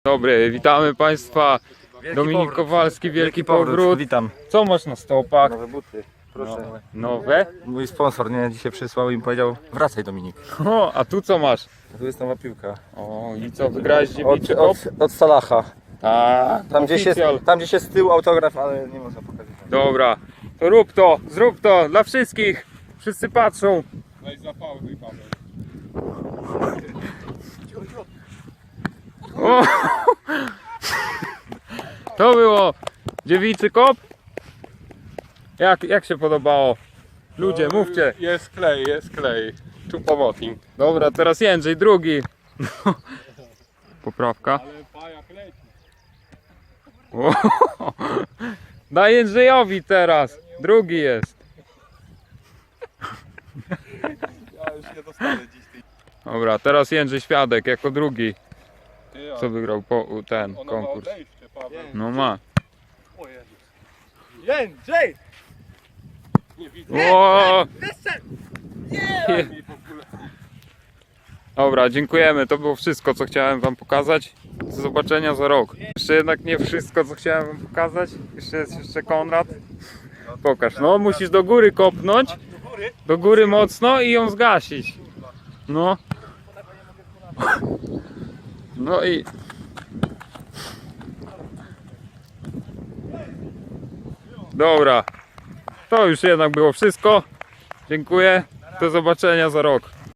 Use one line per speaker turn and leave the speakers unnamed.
Dobry, witamy Państwa. Dominik Kowalski, Wielki Powrót.
Witam.
Co masz na stopach?
Nowe buty. Proszę.
Nowe?
Mój sponsor nie dzisiaj przysłał i mi powiedział: wracaj, Dominik.
O, a tu co masz?
Tu jest nowa piłka.
O, i co, wygrałeś dziewiczy kop?
Od Salaha.
Tak,
Tam gdzieś jest z tyłu autograf, ale nie można pokazać.
Dobra, to rób to, zrób to, dla wszystkich. Wszyscy patrzą.
Weź zapałduj, Paweł.
O! To było dziewiczy kop? Jak się podobało? Ludzie, mówcie.
Jest klej, jest klej. Tu pomocnik.
Dobra, teraz Jędrzej, drugi. Poprawka.
Ale pajak leci.
O, daj Jędrzejowi teraz. Drugi jest.
Ja już nie dostanę dziś tej.
Dobra, teraz Jędrzej Świadek jako drugi.
Ty,
Co wygrał ten
ono ma
konkurs.
odejście, Paweł.
No ma.
O Jezus.
Jędrzej!
Nie widzę.
O!
Mi w ogóle.
Dobra, dziękujemy. To było wszystko, co chciałem wam pokazać. Do zobaczenia za rok. Jeszcze jednak nie wszystko, co chciałem wam pokazać. Jeszcze Konrad. Pokaż. No, musisz do góry kopnąć. Do góry mocno i ją zgasić. No. No i... Dobra. To już jednak było wszystko. Dziękuję. Do zobaczenia za rok.